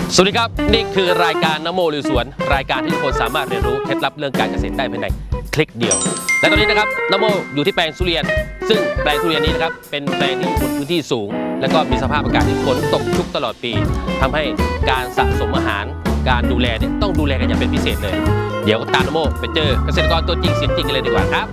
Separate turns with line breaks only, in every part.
สวัสดีครับนี่คือรายการนโมลุยสวนรายการที่ทุกคนสามารถเรียนรู้เคล็ดลับเรื่องการเกษตรได้ภายในคลิกเดียวและตอนนี้นะครับนโมอยู่ที่แปลงทุเรียนซึ่งแปลงทุเรียนนี้นะครับเป็นแปลงที่อยู่บนพื้นที่สูงและก็มีสภาพอากาศที่ฝนตกชุกตลอดปีทำให้การสะสมอาหารการดูแลเนี่ยต้องดูแลกันอย่างเป็นพิเศษเลยเดี๋ยวตามนโมไปเจอเกษตรกรตัวจริงเสียงจริงกันเลยดีกว่าครับ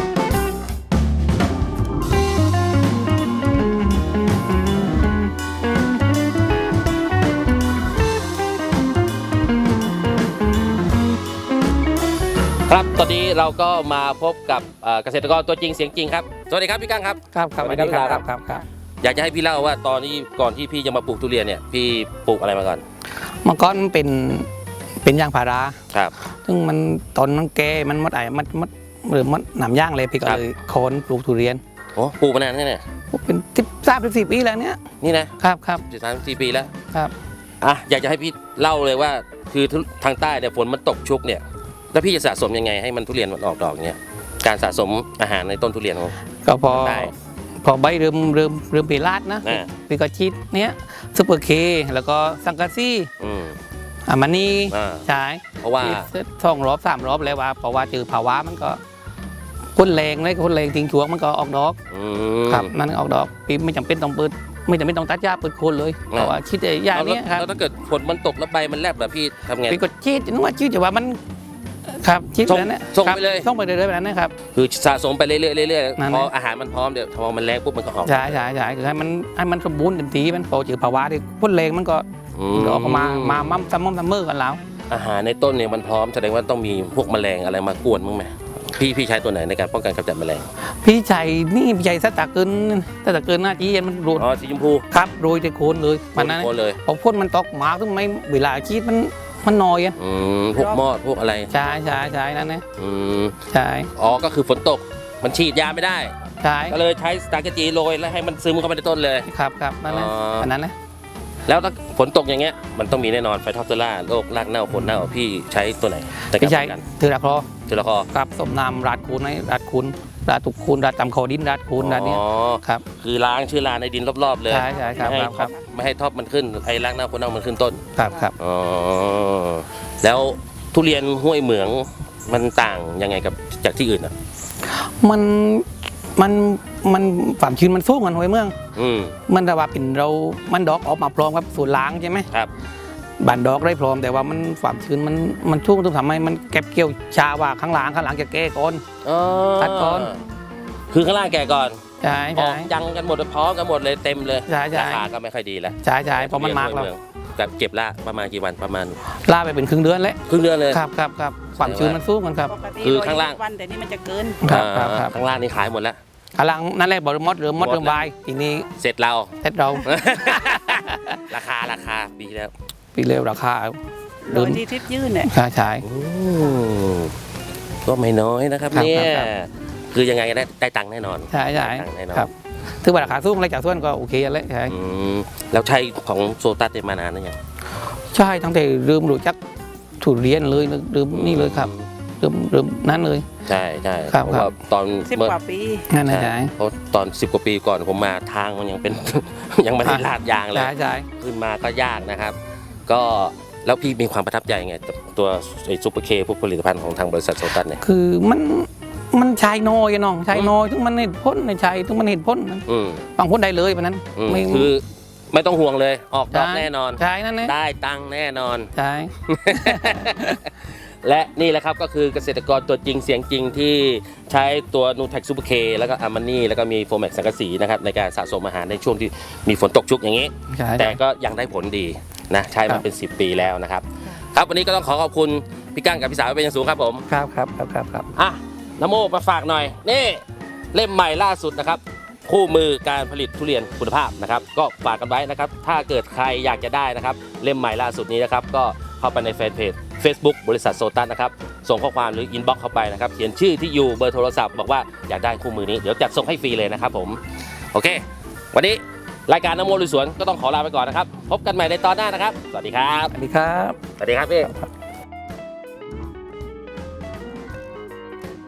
ครับตอนนี้เราก็มาพบกับเกษตรกรตัวจริงเสียงจริงครับสวัสดีครับพี่กั้งครับ
ครับสวัสดีครับ
อยากจะให้พี่เล่าว่าตอนนี้ก่อนที่พี่จะมาปลูกทุเรียนเนี่ยพี่ปลูกอะไรมาก่อน
เมื่อก่อนเป็นยางพารา
ครับซึ่ง
มันตอนนั้นแกมันมัดหรือมัดหนามย่างเลยพี่ก็เลยโค่นปลูกทุเรียน
โอ้ปลูกมานานแค่ไหน
เป็น13-14 ปีแล้วเนี่ย
นี่นะครับ13-14 ปีแล้ว
ครับ
อยากจะให้พี่เล่าเลยว่าคือทางใต้เนี่ยฝนมันตกชุกเนี่ยแล้วพี่จะสะสมยังไงให้มันทุเรียนมันออกดอกเนี่ยการสะสมอาหารในต้นทุเรียนของ
ก็พอใบเริ่มเปราดนะพี่ก็ชีดเนี้ยซุปเปอร์เคแล้วก็สังกะซี่มันนี่ใช่
เพราะว่า
2 รอบ 3 รอบแล้วว่าเพราะว่าเจอภาวะมันก็คนแรงเลยคนแรงทิ้งช่วงมันก็ออกดอกครับมันออกดอกปีไม่จำเป็นต้องเปิดไม่จำเป็นต้องตัดหญ้าเปิดโคนเลยเพราะว่าชีดหญ้าเนี้ยครับ
แล้วถ้าเกิดฝนมันตกแล้วใบมันแลบแบบพี่ทำไง
พี่ก็ชีดนึกว่าชีดแต่ว่ามันครับชิดแล้วเนี่ย
ส่งไปเลย
แบบนั้นนะครับ
คือสะสมไปเรื่อยๆพออาหารมันพร้อมเดี๋ยวพอมันแรงปุ๊บมันก็ออก
ใช่คือให้มันสมบูรณ์เต็มที่มันพอเจอภาวะที่พ่นแรงมันก็ออกมาซัมเมอร์กันแล้ว
อาหารในต้นเนี่ยมันพร้อมแสดงว่าต้องมีพวกแมลงอะไรมากวนมั้งไหมพี่ใช้ตัวไหนในการป้องกันกำจัดแมลง
พี่ใช้สตาร์เกินหน้าจี้มันรูด
สีชมพู
ครับโรยในโคนเลย
มันนั้นเลย
พอพ่นมันตกหมาขึ้นไม่เวลาชีดมันน้อย
พวกมอดพวกอะไร
ใช่นั่นนะใช่
ก็คือฝนตกมันฉีดยาไม่ได้
ใช่
ก็เลยใช้สตาร์เกจีโรยแล้วให้มันซึมเข้าไปในต้นเลย
ครับนั่นนะอันนั้นนะ
แล้วถ้าฝนตกอย่างเงี้ยมันต้องมีแน่นอนไฟท็อปเตอร่าโรครากเน่าผลเน่าพี่ใช้ตัวไหน
พี่ใช้เทอราคอ
ครับ
สมน้ำราดคูนราดตุกคูนราดตำคอดินราดคูนราดนี้ครับ
คือล้างเชื้อราในดินรอบๆเลย
ใช่ครับ
ไม่ให้ท็อปมันขึ้นไอ้รากเน่าผลเน่ามันขึ้นต้น
ครับ
แล้วทุเรียนห้วยเหมืองมันต่างยังไงกับจากที่อื่นอ่ะ
มันความชื้นมันสูงกันห้วยเมืองมันแต่ว่าเป็นมันดอกออกมาพร้อมกับสูตรล้างใช่ไหม
ครับ
บานดอกได้พร้อมแต่ว่ามันความชื้นมันชุ่มต้องทำให้มันเก็บเกี่ยวชาว่าข้างหลังจะแก้ก่อนตัดก่อน
คือข้างล่างแก่ก่อน
ใช่
ยังกันหมดพร้อมกันหมดเลยเต็มเลยราคาก็ไม่ค่อยดีแล้ว
ใช่เพราะมันมากแล้ว
แบบเก็บละประมาณกี่วันประมาณ
ล่าไปเป็นครึ่งเดือนเลยครับความชื้นมันสูงกันครับ
คือข้างล่าง
วันแต่นี่มันจะเกิน
ข้างล่างนี่ขายหมดแล้ว
ข้างล่างนั่นแหละบริมดหรือมดเริ่มวายทีนี้
เสร็จเรา ราคาปี
แล้วราคา
โดยที่ทิพยื่นเนี่ย
ใช่
ก็ไม่น้อยนะครับเนี่ยคือยังไงได้ตังค์แน่นอน
ใช่ครับถือว่าราคาสูงอะไรจากส่วนก็โอเคแล้วใช่
แล้วใช้ของโซตัสมานานหรือยัง
ใช่ตั้งแต่เริ่มรู้จักทุเรียนเลยเริ่มนี่เลยครับเริ่มนั้นเลย
ใช่
ครับ
ตอน
10 กว่าปี
นั่นใช่
เพราะตอน10 กว่าปีก่อนผมมาทางมันยังเป็นยังไม่ได้ลาดยางเลย
ใช่
ขึ้นมาก็ยากนะครับก็แล้วพี่มีความประทับใจไงตัวไอ้ซุปเปอร์เคพวกผลิตภัณฑ์ของทางบริษัทโซตัสเนี่ย
คือมันใช้น้อยน้องใช้น้อยทุกมันเห็นพ้นในใช้ทุกมันเห็นพ้นบางพ้นได้เลยเพราะนั้น
คือไม่ต้องห่วงเลยออกดอกแน่นอน
ใช่นั่น
ได้ตังค์แน่นอน
ใช่
และนี่แหละครับก็คือเกษตรกรตัวจริงเสียงจริงที่ใช้ตัวนูแท็กซูเปอร์เคแล้วก็อามานี่แล้วก็มีโฟแม็กสังกะสีนะครับในการสะสมอาหารในช่วงที่มีฝนตกชุกอย่างนี้แต่ก็ยังได้ผลดีนะใช้มาเป็น10 ปีแล้วนะครับครับวันนี้ก็ต้องขอบคุณพี่กั้งกับพี่สาวเป็นอย่างสูงครับผม
ครับ
นโมมาฝากหน่อยนี่เล่มใหม่ล่าสุดนะครับคู่มือการผลิตทุเรียนคุณภาพนะครับก็ฝากกันไว้นะครับถ้าเกิดใครอยากจะได้นะครับเล่มใหม่ล่าสุดนี้นะครับก็เข้าไปในแฟนเพจ Facebook บริษัทโซตัสนะครับส่งข้อความหรืออินบ็อกซ์เข้าไปนะครับเขียนชื่อที่อยู่เบอร์โทรศัพท์บอกว่าอยากได้คู่มือนี้เดี๋ยวจัดส่งให้ฟรีเลยนะครับผมโอเควันนี้รายการนโมลุยสวนก็ต้องขอลาไปก่อนนะครับพบกันใหม่ในตอนหน้านะครับสวัสดีครับ
พี่